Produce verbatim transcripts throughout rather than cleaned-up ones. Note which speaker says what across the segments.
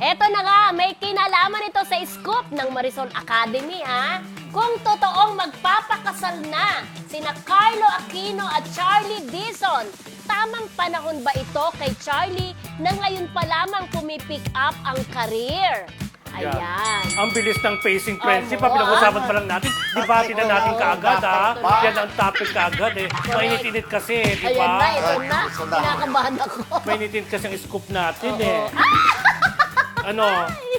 Speaker 1: Eto na nga, may kinalaman ito sa scoop ng Marisol Academy, ha? Kung totoong magpapakasal na sina Carlo Aquino at Charlie Dizon, tamang panahon ba ito kay Charlie na ngayon pa lamang pumipick up ang career?
Speaker 2: Yan.
Speaker 1: Ayan.
Speaker 2: Ang bilis ng pacing friendship,
Speaker 1: Oo,
Speaker 2: ha, pinag-usapan
Speaker 1: ah.
Speaker 2: pa lang natin. Debate na natin kaagad, ha?
Speaker 1: Dapat.
Speaker 2: Yan ang topic kaagad, eh. Mainit-init kasi, di
Speaker 1: Ayan na,
Speaker 2: ba?
Speaker 1: ito na.
Speaker 3: Gusto na.
Speaker 1: Kinakabahan ako.
Speaker 2: Mainit-init kasi ang scoop natin,
Speaker 1: Oo.
Speaker 2: eh. Ano?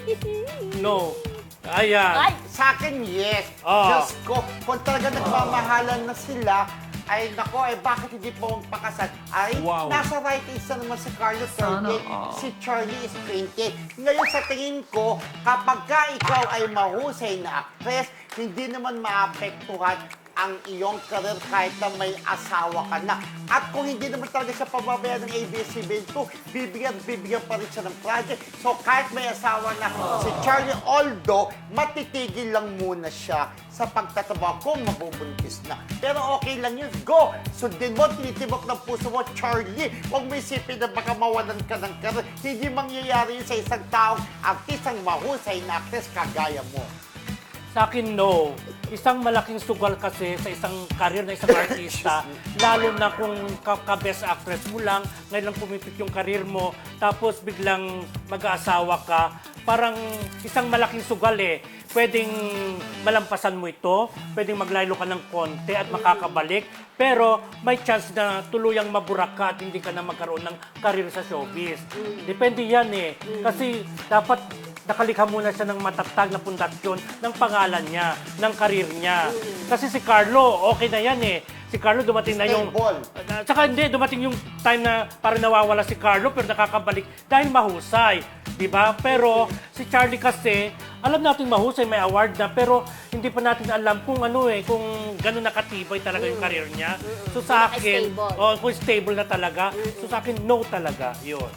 Speaker 2: No. Ayan.
Speaker 1: Ay,
Speaker 3: Sa akin, yes.
Speaker 2: Ah.
Speaker 3: Diyos ko, kung talaga nagmamahalan na sila, ay nako, eh bakit hindi po magpakasal? Ay,
Speaker 2: Wow.
Speaker 3: nasa right age na naman si Carlos thirty, si Charlie is twenty. Ngayon sa tingin ko, kapag ka ikaw ay mahusay na actress, hindi naman maapektuhan ang iyong career kahit na may asawa ka na. At kung hindi naman talaga siya pababayaan ng A B S C B N two, bibigyan, bibigyan pa rin siya ng project. So kahit may asawa na si Charlie, although matitigil lang muna siya sa pagtatrabaho kung mabubuntis na. Pero okay lang yun. Go! Sundin mo, tinitibok ng puso mo, Charlie. Huwag mo isipin na baka mawalan ka ng career. Hindi mangyayari yun sa isang taong artistang mahusay na actress kagaya mo.
Speaker 2: Sa akin, no. Isang malaking sugal kasi sa isang career na isang artista, lalo na kung ka-best actress mo lang, ngayon lang pumipik yung career mo, tapos biglang mag-aasawa ka, parang isang malaking sugal eh. Pwedeng malampasan mo ito, pwedeng maglaylo ka ng konti at makakabalik, pero may chance na tuluyang maburak ka at hindi ka na magkaroon ng career sa showbiz. Depende yan eh. Kasi dapat nakalikha muna siya ng matatag na pundasyon ng pangalan niya, ng karir niya. Kasi si Carlo, okay na yan eh. Si Carlo dumating na yung...
Speaker 3: Stable.
Speaker 2: Uh, tsaka hindi, dumating yung time na parang nawawala si Carlo pero nakakabalik dahil mahusay. Diba? Pero si Charlie kasi, alam natin mahusay, may award na, pero hindi pa natin alam kung ano eh, kung gano'n nakatibay talaga yung career niya. So sa akin,
Speaker 1: Naka-stable.
Speaker 2: oh, kung stable na talaga, so sa akin, no talaga, yun.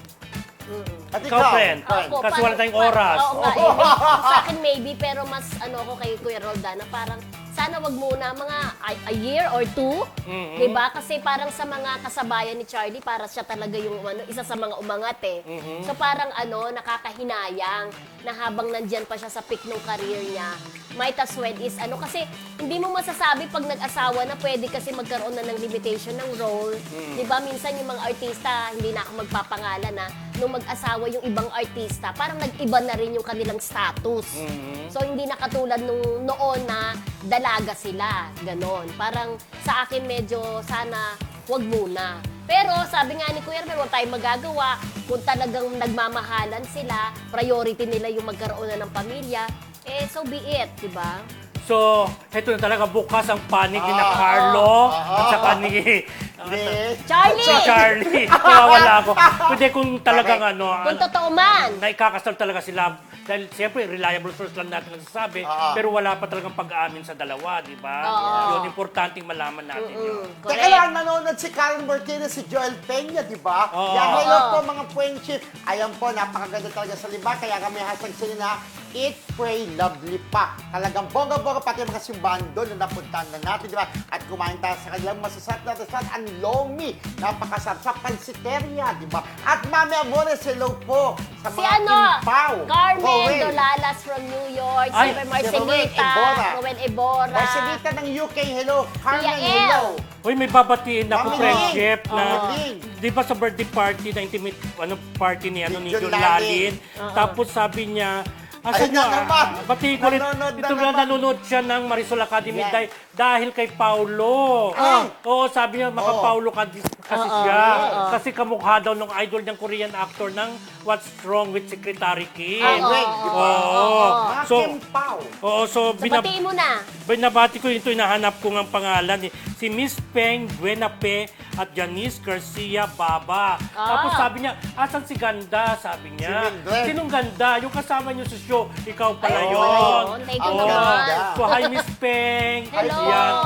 Speaker 3: At
Speaker 2: Ikaw, friend,
Speaker 1: Ako,
Speaker 2: kasi
Speaker 1: paano-
Speaker 2: wala tayong
Speaker 1: pa-
Speaker 2: oras.
Speaker 1: Oo nga, eh. Sa akin maybe, pero mas ano ko kay Kuya Roldan na parang sana wag muna mga a, a year or two,
Speaker 2: Mhm.
Speaker 1: 'di ba? Kasi parang sa mga kasabayan ni Charlie, para siya talaga yung ano, isa sa mga umangat eh. So parang ano, nakakahinayang na habang nandyan pa siya sa peak ng career niya, might as well is ano, kasi hindi mo masasabi pag nag-asawa na pwede kasi magkaroon na ng limitation ng role. 'Di ba? Minsan yung mga artista, hindi na ako magpapangalan na nung mag-asawa yung ibang artista, parang nag-iba na rin yung kanilang status. So, hindi na katulad nung noon na dalaga sila. Ganon. Parang sa akin medyo sana wag muna. Pero sabi nga ni Kuya Hermel, huwag tayong magagawa. Kung talagang nagmamahalan sila, priority nila yung magkaroon na ng pamilya, eh so be it, di ba?
Speaker 2: So, heto na talaga bukas ang panig ni na
Speaker 3: Ah,
Speaker 2: Carlo
Speaker 3: ah, ah,
Speaker 2: at saka ni
Speaker 3: Hindi.
Speaker 1: Charlie!
Speaker 2: si Charlie. Nawawala ako. Pwede kung talagang ano,
Speaker 1: Kung
Speaker 2: ano,
Speaker 1: totoo man.
Speaker 2: na ikakasal talaga sila. Dahil siyempre, reliable source lang natin nagsasabi,
Speaker 3: Ah.
Speaker 2: pero wala pa talagang pag-aamin sa dalawa, di ba?
Speaker 1: Oo.
Speaker 2: Yun, importanteng malaman natin yun.
Speaker 1: Mm,
Speaker 3: Teka
Speaker 1: correct.
Speaker 3: lang, nanonood si Karen Martinez, si Joel Peña, di ba?
Speaker 2: Oo.
Speaker 3: Yan, hello
Speaker 1: Oo.
Speaker 3: po mga friendship. Ayan po, napakaganda talaga sa liba. Kaya kami hashtag sila na Eat, Pray, Lovely pa. Talagang bongga-bongga, pati mga simbahan doon na napuntahan na natin, di ba? At kumain tayo sa kanilang masasarap na restaurant, ang Lomi. Napakasarap sa Pansiteria, di ba? At Mami Amores, hello po sa
Speaker 1: Si
Speaker 3: mga
Speaker 1: ano,
Speaker 3: Kimpaw.
Speaker 1: Carmen
Speaker 3: Rowel.
Speaker 1: Dolalas from New York,
Speaker 2: Ay,
Speaker 1: si
Speaker 3: si
Speaker 1: Marcelita,
Speaker 3: Rowel Ebora.
Speaker 1: Rowel Ebora.
Speaker 3: Marcelita ng U K, hello. Carmen,
Speaker 1: Tia El.
Speaker 3: hello.
Speaker 2: Uy, may babatiin ako,
Speaker 3: Mami
Speaker 2: friendship,
Speaker 3: Ling.
Speaker 2: na,
Speaker 3: Mami Ling.
Speaker 2: di ba sa birthday party, na intimate ano, party ni, ano, ni
Speaker 3: John
Speaker 2: John Lalin,
Speaker 3: Lalin.
Speaker 2: tapos sabi niya,
Speaker 3: Ay,
Speaker 2: Asa
Speaker 3: na
Speaker 2: nyo,
Speaker 3: naman.
Speaker 2: pati ko rin,
Speaker 3: Nanonood na
Speaker 2: ito na
Speaker 3: naman.
Speaker 2: nanonood siya ng Marisol Academy
Speaker 3: Yan.
Speaker 2: dahil, dahil kay Paulo.
Speaker 3: Ay.
Speaker 2: Oo, sabi niya, maka
Speaker 3: Oo.
Speaker 2: Paulo ka, kasi
Speaker 1: Oo,
Speaker 2: siya.
Speaker 1: oo.
Speaker 2: Kasi kamukha daw ng idol niyang Korean actor ng What's Wrong with Secretary Kim.
Speaker 1: Oo,
Speaker 3: Wait,
Speaker 1: oo,
Speaker 3: di ba?
Speaker 2: Oo.
Speaker 3: Mga
Speaker 2: So,
Speaker 3: Kimpaw.
Speaker 2: oo, so,
Speaker 1: So,
Speaker 2: binab-
Speaker 1: batiin mo na.
Speaker 2: binabati ko ito, hinahanap ko ng pangalan. Eh. Si Miss Peng Buenape at Janice Garcia Baba.
Speaker 1: Ah.
Speaker 2: Tapos sabi niya, asan si Ganda? Sabi niya.
Speaker 3: Si Mildred.
Speaker 2: Sinong Ganda? Yung kasama niyo sa show, ikaw pala
Speaker 1: Ay,
Speaker 2: yun.
Speaker 1: oo, thank you
Speaker 3: Ang
Speaker 2: Oo.
Speaker 1: naman.
Speaker 3: ganda.
Speaker 2: So, hi Miss Peng.
Speaker 1: Hello.
Speaker 2: Yan.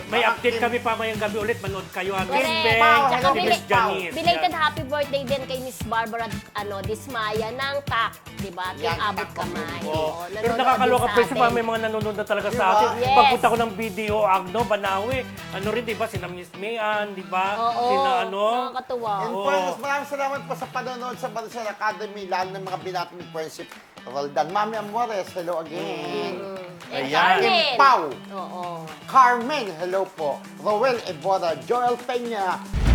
Speaker 2: May
Speaker 3: Ang
Speaker 2: update
Speaker 3: Kim-
Speaker 2: kami pamayang gabi ulit. Manood kayo. ha. Miss
Speaker 1: Correct.
Speaker 2: Beng,
Speaker 3: Pao,
Speaker 1: Tsaka
Speaker 3: hello,
Speaker 2: si
Speaker 1: bili-
Speaker 2: Miss Janice.
Speaker 1: Belated
Speaker 2: Yan.
Speaker 1: happy birthday din kay Miss Barbara ano, Dismaya ng T A C, di ba? Yung
Speaker 3: Yan,
Speaker 1: abot
Speaker 3: T A C
Speaker 1: kamay.
Speaker 3: community.
Speaker 1: Oo,
Speaker 2: Pero
Speaker 1: nanonood
Speaker 2: nakakaloka
Speaker 1: din sa
Speaker 2: pa yung
Speaker 1: atin.
Speaker 2: may mga nanonood na talaga
Speaker 3: Di
Speaker 2: sa
Speaker 3: ba?
Speaker 2: atin.
Speaker 1: Yes.
Speaker 2: Pagpunta ko ng video, Agno, Banawi, ano rin, di ba? Sina Miss Mayan, di ba?
Speaker 1: Oo,
Speaker 2: Sina ano?
Speaker 1: nakakatuwa.
Speaker 3: And
Speaker 2: Oo.
Speaker 3: friends, maraming salamat po sa panonood sa Bansang Academy, lalo ng mga binati ni Friendship Roldan. Mami Amores, hello again.
Speaker 1: And
Speaker 2: Ayan.
Speaker 1: Carmen.
Speaker 3: Pao.
Speaker 1: Oo.
Speaker 3: Carmen, hello po. Roel Evora, Joel Peña,